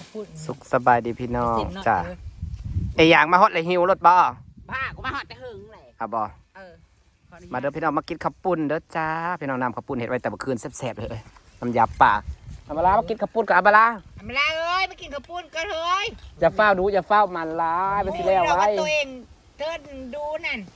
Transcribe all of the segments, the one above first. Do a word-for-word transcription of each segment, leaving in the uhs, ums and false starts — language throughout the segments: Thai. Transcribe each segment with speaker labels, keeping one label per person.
Speaker 1: พูด
Speaker 2: สุขสบายดีพี่น้องจ้าไออย่างมาฮอตเลยหิวรถบ่
Speaker 1: บ้ากูมาฮอตแต่หึงเลย
Speaker 2: อ่ะบ่
Speaker 1: เออ
Speaker 2: มาเด้อพี่น้องมากินข้าวปุ้นเด้อจ้าพี่น้องนำข้าวปุ้นเห็ดไว้แต่เมื่อคืนแซ่บๆเลยน้ำยาป่าอาบาลามากินข้าวปุ้นกับอาบาลา
Speaker 1: อามาลาเอ้ยมากินข้าวปุ้นกันเฮ้ย
Speaker 2: จะเฝ้าดูจะเฝ้ามันลาไปสิแล้วไว้
Speaker 1: ตัวเองเทิดดูนั่น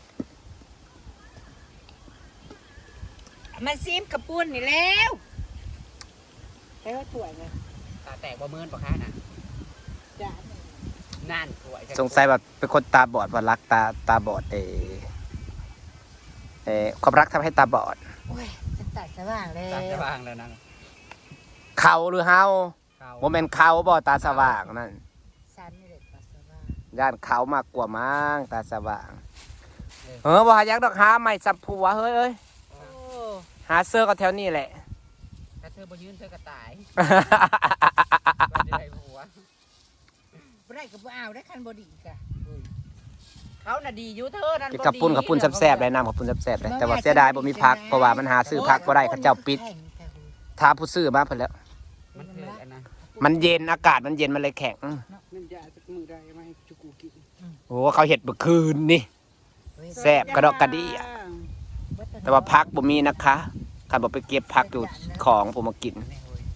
Speaker 1: มาซิมข้าวปุ้นนี่แล้วใช้ว่าถั่วไงตาแตกบ่มือนปะคะน่ะจ้านั่นถั่ว
Speaker 2: สงสัยแบบเป็นคนตาบอดว่ารักตาตาบอดเอเอความรักทำให้ตาบอด
Speaker 1: โอ้ยจะตัดสว่างเลย
Speaker 3: ตัดสว่างแล้วนะ
Speaker 2: เขาหรือเฮาโมเมนต์เขาบอตาสว่างนั่น
Speaker 1: ฉันนี่แหละตาสว่าง
Speaker 2: ย่านเขามากกว่ามั้งตาสว่างเออบ่หายักดอกหาใหม่สับผัวเฮ้ยเอ้ยหาเสื้อก็แถวนี้แหละ
Speaker 1: ถ้าเธอบ่ยืนเธอก็ตาย
Speaker 3: ก็จะได้ผัว
Speaker 1: บ่ได้ก็บ่เอาได้คันบ่ดีกะเขาน่ะดีอยู่เธอนั่นบ่ดี
Speaker 2: กับปุ้นกับปุ้นแซ่บๆได้น้ำกับปุ้นแซ่บๆได้แต่ว่าเสียดายบ่มีพักเพราะว่ามันหาซื้อพักบ่ได้เขาเจ้าปิดท้าผู้ซื้อมาเพิ่นแล้ว
Speaker 3: มันเกิดอันนะ
Speaker 2: มันเย็นอากาศมันเย็นมันเลยแข็ง
Speaker 3: มันจะสักมือได้ไหมจุกูกิน
Speaker 2: โอ้เขาเห็ดเมื่อคืนนี่แซ่บกระดอกกระดี่แต่ว่าพักบ่มีนะคะคันบ่ไปเก็บพักอยู่ของผมมากิน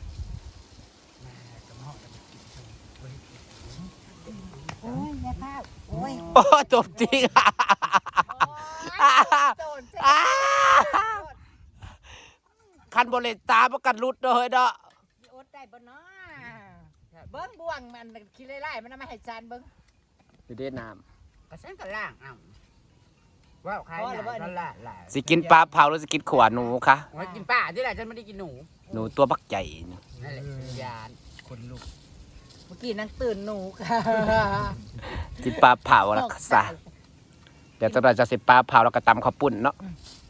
Speaker 1: โอ้ยแม่ข้าวโอ้ย
Speaker 2: โอ้จบจริงคันบ่เลยตาบ่กันรุดเด้อเฮ้ยเด้อ
Speaker 1: อดได้บ่เนาะเบิ่งบ่วงมันขี้ไล่ๆมันมาให้จานเบิ่ง
Speaker 2: อยู่เด้น้
Speaker 1: ำกระสันกระล่างเอ้า
Speaker 3: ว้าวใครนั่นแหละ
Speaker 2: สิกินปลาเผาหรือสิกินขวานหนูคะ
Speaker 1: กินปลาที่ไหนฉันไม่ได้กินหนู
Speaker 2: หนูตัวบักใหญ่
Speaker 1: นั่นแหละยาน
Speaker 3: คนลุก
Speaker 1: เมื่อกี้นั่งตื่นหนูค่ะ
Speaker 2: กินปลาเผาแล้วก็ซะเดี๋ยวเราจะเสร็จปลาเผาแล้วก็ตำข้าวปุ้นเนาะ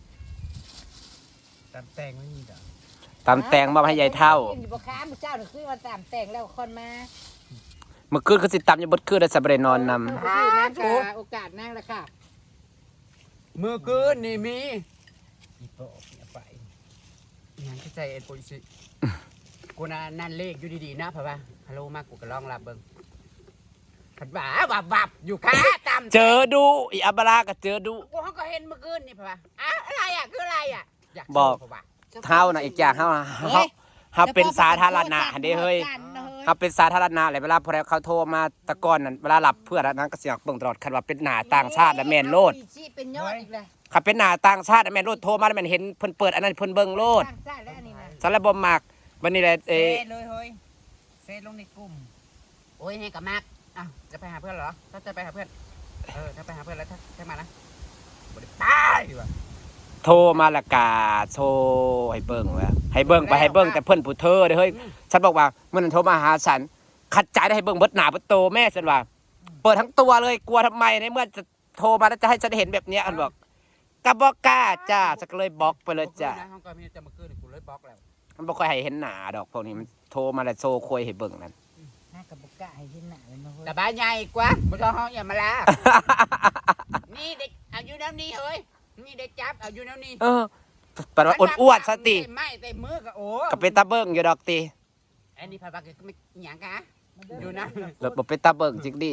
Speaker 3: ตำแตงไม่มีเด้อ
Speaker 2: ตำแตงมาให้ยายเท่า
Speaker 1: อยู่บ่ค้ามื้อเจ้านี่คือว่าตำแตงแล้วคนมา
Speaker 2: เมื่อคืนคือสิตำอยู่บดคืนได้สับเรนอนน
Speaker 1: ำโอกาสนั่งแล้วค่ะ
Speaker 3: เมื่อคืนนี่มีอีโปะไปยังที่ใจเอ็นโปลิสิกูน่ะนั่นเลขอยู่ดีๆนะพ่อป่ะฮัลโหลมากูก็ลองรับเบิ่งผัดบ่าบับบับอยู่ค่ะตาม
Speaker 2: เจอดูอีอับราก็เจอดู
Speaker 1: กูเขาก็เห็นเมื่อคืนนี่พ่อป่ะอะอะไรอ่ะคืออะไรอ่ะ
Speaker 2: บอกเท่าน่ะอีกอย่างเฮาเฮาเฮาเป็นสาธารณะเด้เฮ้ยเฮาเป็นสาธารณะเลยเวลาพอเขาโทรมาตะก้อนนั่นเวลารับเพื่อนนั้นก็เสียงเบิ่งตลอดคันว่าเป็นหน้าต่างชาติและแม่นโลด
Speaker 1: เป็นยอดอีกเลย
Speaker 2: คันเป็นหน้าต่างชาติและแม่นโลดโทรมาแล้วแม่นเห็นเพิ่นเปิดอันนั้นเพิ่นเบิ่งโลดสารบ่มักวันนี้แหละเอ้
Speaker 1: เลยเฮ้ยเซลงในกลุ่มโอ้ยให้กับมากอ้าวจะไปหาเพื่อนเหรอถ้าจะไปหาเพื่อนเออถ้าไปหาเพื่อนแล้วถ้าถ้ามานะบ่ได้ไปว่ะ
Speaker 2: โทรมาละกาโทรให้เบิ่งว่าให้เบิ่งไปให้เบิ่งแต่เพิ่นผู้เธอเด้อเฮ้ยฉันบอกว่าเมื่อนั้นโทรมาหาฉันขัดใจได้ให้เบิ่งเบิดหน้าเบิดโตแม่ฉันว่าเปิดทั้งตัวเลยกลัวทำไมในเมื่อจะโทรมาแล้วจะให้ฉันเห็นแบบนี้อันบอกก็บ่กล้าจ้าฉันก็เลยบล็อกไปเลยจ้า
Speaker 3: ห้องก็มีแต่เมื่อคืนกูเลยบล็อกแล้ว
Speaker 2: มันบ่ค่อยให้เห็นหน้าดอกพวกนี้มันโทรมาแล้วโซคุยให้เบิ่งนั่น
Speaker 1: น่าก็บ่กล้าให้เห็นหน้าเลยนะเฮ้ย
Speaker 3: แต่บ้านใหญ่กว่าบ่ต้องห้องอย่ามาลา
Speaker 1: นี่เด็กเอาอยู่น้ำนี้เฮ้ยนี่เด็กจับเอาอยู่น้ำนี้
Speaker 2: เออปะว่าอ้วนๆซะติ
Speaker 1: ไม่แต่มือก็โอ้
Speaker 2: ก็เป็นตาเบิ่งอยู่ดอกติ
Speaker 1: อันนี้พาบักก็ไม่หยังกะอยู่นะ
Speaker 2: แล้วบ่เป็นตาเบิ่งจริงดิ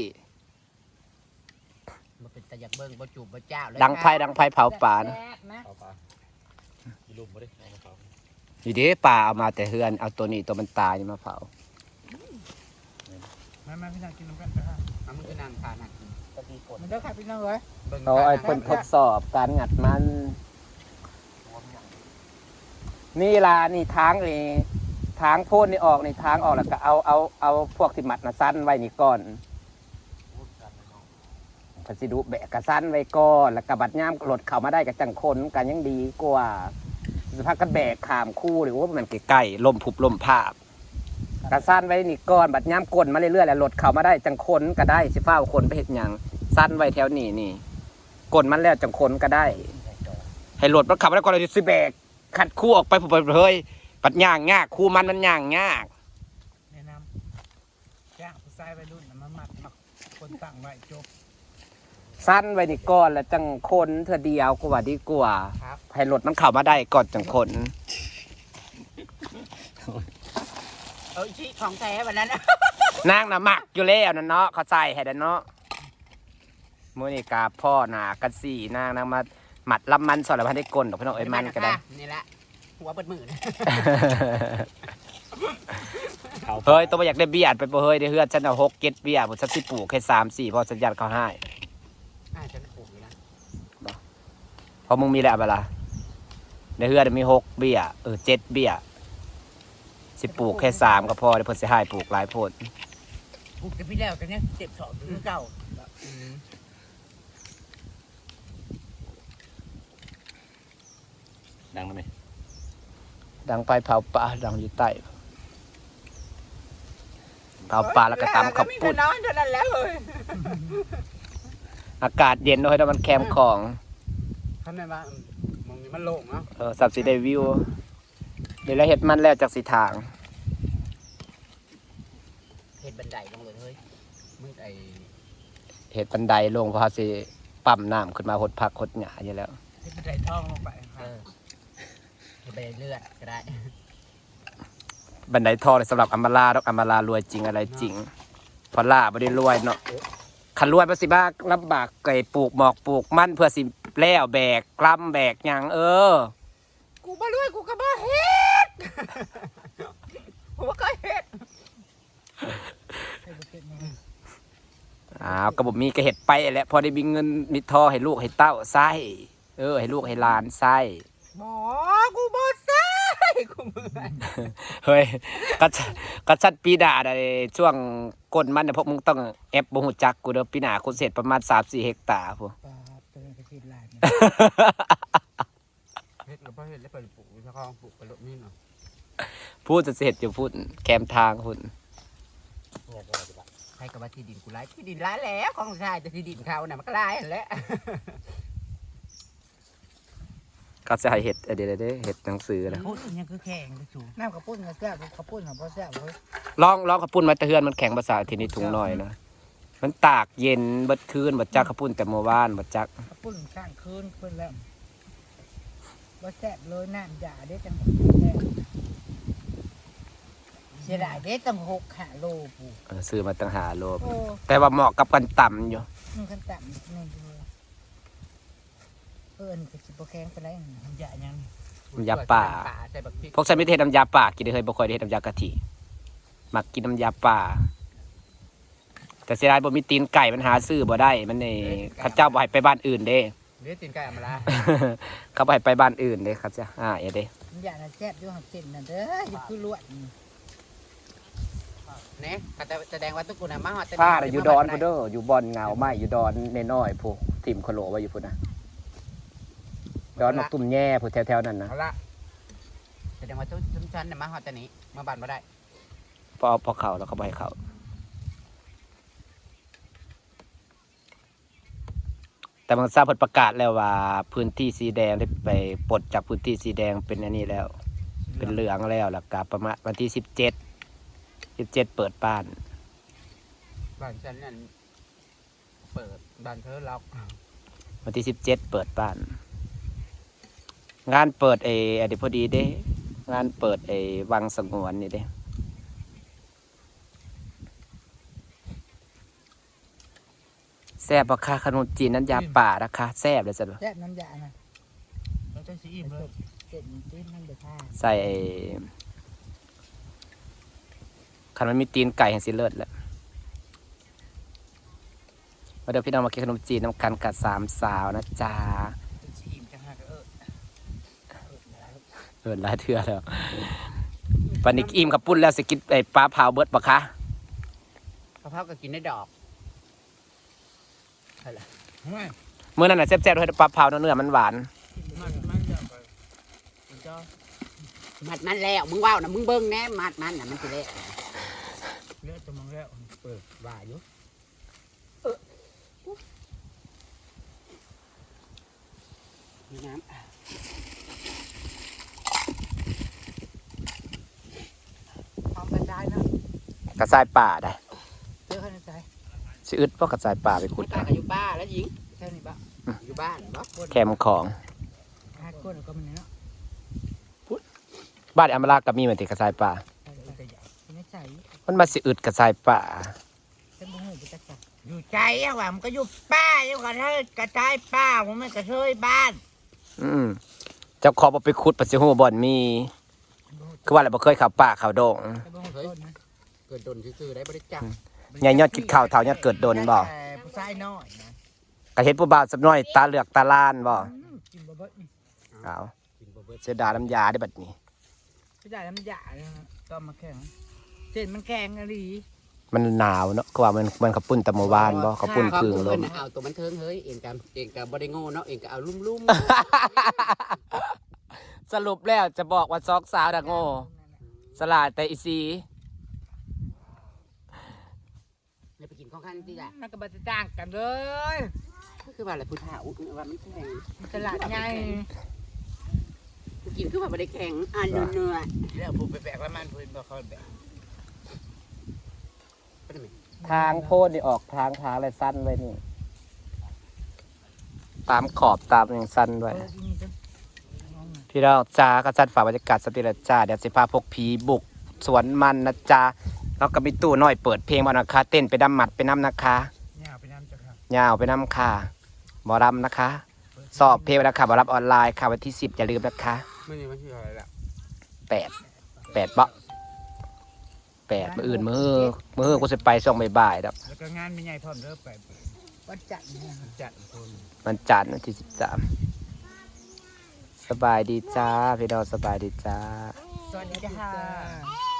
Speaker 1: บ่เป็นตาอยากเบิ่งบ่จูบบ่เจ้าเลย
Speaker 2: ดังไผดังไผเผาป่านะ
Speaker 3: เผาป่ามีลุมบ่ได้เอามาเผา
Speaker 2: อยู่เด้ป่าเอามาแต่เฮือนเอาตัวนี้ตัวมันตายนี่มาเผา
Speaker 3: มามาพี่นางกินน้ำกันเด้อเอามึงจะนั่งทานน่ะก็ดีกด
Speaker 1: มันเด้อค่ะพี่น้องเอ้ย
Speaker 2: เอาไอ้เพิ่นทดสอบการงัดมันนี่ล่ะนี่ทางนี่ทางโพดนี่ออกนี่ทางออกแล้วก็เอาเอาเอาพวกที่มัดน่ะสั้นไว้นี่ก่อนพัสดุแบกกระสั้นไว้ก่อนแล้วก็บัดย่ามรถเข้ามาได้กับจังคนกันยังดีกว่าสภาพกันแบกขามคู่หรือว่ามันใกล้ๆลมผุบลมภาพกระสั้นไว้นี่ก่อนบัดย่ามกลมาเรื่อยๆแล้วรถเข้ามาได้จังคนก็ได้สิฟ้าคนไปเฮ็ดหยังสั้นไว้แถวนี้นี่กลมันแล้วจังคนก็ได้ให้รถมันขับมาได้ก่อนเลยสิแบกขัดคู่ออกไปผมเฮ้ยปัดย่างยากคู่มันมันย่างยาก
Speaker 3: แนะนำย่างผู้ชายวัยรุ่นมามัดมักคนตั้งไว้จบ
Speaker 2: สั้นไว้นี่ก่อนแล้วจังคนเธอเดียวกว่าดีกว่าให้รถมันเข้ามาได้ก่อนจังคน
Speaker 1: เออชี้ของแท้วันนั้น
Speaker 2: นางน่ะมักอยู่แล้วนั่นเนาะเขาใส่ให้ดันเนาะมื้อนี้กาพ่อหนากันสี่นางนางมาหมัดลำมันสอนแล้วพันได้กลนดอกพี่น้องเอ้ยมันก็ได้
Speaker 3: นี่แหละหัวเปิดมือนะ
Speaker 2: เฮ้ยตัวบ่อยากได้เบี้ยไปบ่เฮ้ยได้เฮือนฉันเอาหกเก็ดเบี้ยบ่ฉันสิปลูกแค่สามสี่พอสัญญาณเขาให้
Speaker 3: อ่าฉันปลูกอยู่นะ
Speaker 2: เพราะมึงมีแล้วเวลาในเฮือนมีหกเบี้ยเออเจ็ดเบี้ยสิปลูกแค่สามก็พอเดี๋ยวเพิ่นสิให้ปลูกหลายโพด
Speaker 3: ปลูกแต่พี่แล้วกันเนี่ยเจ็บสอบถึงเก่า
Speaker 4: ดังแล้วไหม
Speaker 2: ดังไปเผาปลาดังอยู่ใต้เผาปลาแล้วก็ตำข้าวปุ้น
Speaker 3: น้อยเท่านั้นแล้วเลย
Speaker 2: อากาศเย็นด้วยแล้วมันแคมของ
Speaker 3: ทำไมบ้างมองนี้มันโล่งเนาะ
Speaker 2: เออสับสีได้วิวเดี๋ยวแล้วเห็ดมันแล้วจากสีทาง
Speaker 3: เห็ดบันไดลงเลยเฮ้ยมึงไอ
Speaker 2: เห็ดบันไดลงเพราะเขาสิปั๊มน้ำขึ้นมาหดผักหดหญ้าอยู่แล้ว
Speaker 3: เห็ดบันไดท่องลงไปเออเห็ดบันไดเลือดก็ได้
Speaker 2: บันไดทองเลยสำหรับอัมมาลาดอกอัมมาลารวยจริงอะไรจริงเพอล่าไม่ได้รวยเนาะขันรวยภาษีบ้าลำบากไก่ปลูกหมอกปลูกมั่นเพื่อสิแล้วแบกกล้ำแบกหยังเออ
Speaker 3: กูบ่รวยกูก็บ่เฮ็ดผมก็เฮ็ด
Speaker 2: อ้าวกระบอกมีกระเห็ดไปแหละพอได้มีเงินมีทองให้ลูกให้เต้าไส้เออให้ลูกให้หลานไส้
Speaker 3: หมอกูบ่ใส่กูเมื่อย
Speaker 2: เฮ้ยกัดกัดชัดปีหน้าได้ช่วงก้นมันเนี่ยพวกมึงต้องแอบบ่ฮู้จักกูเด้อปีหน้าคุณเสร็จประมาณ สามสี่ เฮกตาร์พวก
Speaker 1: ปลาตัวนี้ก็สิลาย
Speaker 3: เฮ็ดแล้วบ่เฮ็ดแล้วไปปลูกเจ้าของปลูกไปรถนี่เนาะ
Speaker 2: พูดจะเสร็จอยู่พูดแคมทางพุ่น
Speaker 3: ใครก็ว่าที่ดินกูหลายที่ดินหลายแล้วของชายแต่ที่ดินเขาน่ะมันก็หลายนั่นแหละ
Speaker 2: ก็จะให้เห็ดเดี๋ยวเดี๋ยวเห็ดหนังสือนะ
Speaker 3: พูดยังคือแข่งไปสู่
Speaker 1: น้ำกระปุ้นก็แซ่บกระปุ้นของพ่อแซ่บเว้ย
Speaker 2: ลองลองขับปุ้นมาแตะเฮือนมันแข็งภาษาทีนี้ถุงหน่อยนะมันตากเย็นเบิดคืนบัดจักขับปุ้นแต่เมื่อวานบัดจัก
Speaker 1: กระปุ้นข้างคืนเพิ่นแล้วบ่แซ่บเลยน้ำยาเด้จังแซ่บเสียดายเด้ตั้งหกห้าโลปู
Speaker 2: เออซื้อมาตั้งหาโล
Speaker 1: โอ้
Speaker 2: แต่ว่าเหมาะกับกันต่ำอยู่
Speaker 1: มันกันต่ำนี่เลยเอิ้นก็สิบ่แข็งปานใดน้ำยายัง
Speaker 2: น้ำยาป่า
Speaker 3: ใส่บักพริก
Speaker 2: พวกฉันไม่ได้เฮ็ดน้ำยาป่ากินได้เคยบ่ค่อยได้เฮ็ดน้ำยากะทิมักกินน้ำยาป่า แต่เสียดายบ่มีตีนไก่มันหาซื้อบ่ได้มันนี่เขาเจ้าบ่ให้ไปบ้านอื่นเด้
Speaker 3: เลือดตีนไก่อำมาลา
Speaker 2: เขาบ่ให้ไปบ้านอื่นเด้เขาจะอ่าอย่าเด้
Speaker 1: น้ำยาน่ะแซ่บอยู่หักเส้นนั่นเด้ออยู่คือลวดนี่
Speaker 3: เนี่ยแต่แสดงว่าทุกคนน่ะมาฮอดแต่
Speaker 2: ผ้าน่ะอยู่ดอนพุ่นเด้ออยู่บ่อนเงาไม้อยู่ดอนน้อยๆพวกทิ่มโคโลไว้อยู่พุ่นน่ะดอนมักตุ่มแย่พุ่นแถวๆนั้นนะ
Speaker 3: เอาละแสดงว่าทุกชุมชนน่ะมาฮอดแต่นี้มาบ้านบ่ได้
Speaker 2: พอพอเข้าแล้วเขาบ่ให้เข้าแต่บางทราบเพิ่นประกาศแล้วว่าพื้นที่สีแดงได้ไปปลดจากพื้นที่สีแดงเป็นอันนี้แล้ว เป็นเหลืองแล้วแล้วก็ประมาณวันที่สิบเจ็ด สิบเจ็ดเปิดบ้าน
Speaker 3: บ้านฉันนั่นเปิดบ้านเธอล็อก
Speaker 2: วันที่สิบเจ็ดเปิดบ้าน งานเปิดไอ้อดีพอดีเด้ งานเปิดไอ้วังสงวนนี่เด้แซ่บราคาขนมจีนน้ำยาป่าราคาแซ่บเลยจ้ะ
Speaker 1: แซ่บน้ำยาน่ะ
Speaker 3: เราจะซีอิ่มเลย
Speaker 1: เส้นตีนมันเด้อค่ะ
Speaker 2: ใส่ไอ้คันมันมีตีนไก่แห่งสิเลิศแหละมาเดี๋ยวพี่น้องมากินขนมจีนน้ำกันกับสามสาวนะจ๊ะ
Speaker 3: ซีอิ่มจังหากเออ
Speaker 2: เออหลายเทื่อแล้ววันนี้อิ่มกับปุ้นแล้วสิกินไอ้ปลาเผาเบิดปะคะ
Speaker 3: กะเพราก็กินได้ดอกอะไร
Speaker 2: เมื่อนั้นน่ะแซ่บๆด้วยปลาเผาเนื้อมันหวาน
Speaker 3: มันมันจะไปมันจะมัดมันแล้วมึงว่าวนะมึงเบิ้งแน่มัดมันน่ะมันสิเละ
Speaker 1: เลือดจะมองแล้ว
Speaker 3: เปิดว่าอยู่มีน้ำ
Speaker 1: พร้อมกันได้นะ
Speaker 2: กระสายป่าได้
Speaker 1: เจอกันในใจ
Speaker 2: สิอึดเพราะกระสายป่าไปขุด
Speaker 3: ตา
Speaker 2: เอา
Speaker 3: ก็อยู่บ้านแล้วหญิง
Speaker 1: แค่นี้ปะ
Speaker 3: อยู่บ้านบ่
Speaker 2: แคมของ
Speaker 1: ห้าก้นก็มันเนาะ
Speaker 2: บ้านอำมาลากับมีเหมือนติกระสายป่า
Speaker 1: แต่ใหญ่ไม่ใส่
Speaker 2: มันมาสิอึดกระสายป่า
Speaker 1: เป็นบุ้งหูไปจักจักอยู่ใจอะว่ามันก็อยู่ป้าอยู่กันเฮ้ยกระจายป้าผมไม่กระเทยบ้าน
Speaker 2: อืมเจ้าขอบ่ไปขุดปัสสิฮู้บ่อนมี คือว่าอะไรบ่เคยเข้าป่าเข้าดง
Speaker 3: เฮ้ยเกิดโดนซื่อๆได้บริจาค
Speaker 2: ใหญ่ยอดคิดข้าวเท่ายอดเกิดดนบ่
Speaker 1: ผู้ชายน้อยนะ
Speaker 2: ก็เห็นผู้บ่าวสับน้อยตาเหลือกตาล้านบ่
Speaker 1: กินบ่เบิดนี่
Speaker 2: เอา
Speaker 3: กินบ่เบิด
Speaker 2: เสียดายน้ำยาได้บัดนี้
Speaker 1: ผู้ชายน้ำยาเนี่ยต้มมาแข็งเส้นมันแข็งอะไร
Speaker 2: มันหนาวเนาะก็ว่ามันมันขับปุ่นแตะเมื่อวานบ่ขับปุ่น
Speaker 3: ครับ
Speaker 2: พึ่งล
Speaker 3: เพิ่น
Speaker 2: ม
Speaker 3: น่ะเอาตัวมันเทิงเฮ้ยเองกับเองกับบ่ได้โง่เนาะเองก็เอาลุ่ม
Speaker 2: สรุปแล้วจะบอกว่าซอกสาวดักโง่สลาดแต่อีซี
Speaker 3: ๆเลยไปกินของข้างที่จ้ะ
Speaker 1: มันก็บ่จะจ้างกันเลย
Speaker 3: ก็คือว่าอะไรพุทธาอุ้ว่ามันแข็ง
Speaker 1: ตลาดใหญ่
Speaker 3: กูกินคือว่าบ่ได้แข็งอ่านเนื้อ
Speaker 1: แล้วผู้ไปแบกแล้วมันพื้นบ่เขาแบก
Speaker 3: ๆเป็นไง
Speaker 2: ทางโพดนี่ออกทางทางอะไรสั้นไว้นี่ ตามขอบตามอย่างสั้นไว้พี่น้องจ้าก็จัดฝากบรรยากาศสติละจ้าเดี๋ยวสิพาพวกผีบุกสวนมันนะจ้าแล้วก็มีตู้น้อยเปิดเพลงมานะคะ เต้นไปดำหมัดไปน้ำนะคะ
Speaker 1: ยาวไปน้ำจ้ะครับ
Speaker 2: ยาวไปน้ำค่ะบอรำนะคะ สอบเพลงนะคะบอรับออนไลน์ค่ะวันที่สิบอย่าลืมนะคะ
Speaker 3: ไม่นี่มันคืออะไรล่ะ
Speaker 2: แปดแปดเบาะแปดมืออื่นมือมือกูจะไปช่วงบ่ายๆแล้ว
Speaker 1: แล้วก็งานมีใหญ่พร้อมเด้อไปวันจันทร์เนี่ยวันจันทร์คน
Speaker 2: มันจันทร์วันที่สิบสามสบายดีจ้าพี่ดาวสบายดีจ้า
Speaker 1: สวัสดีค่ะ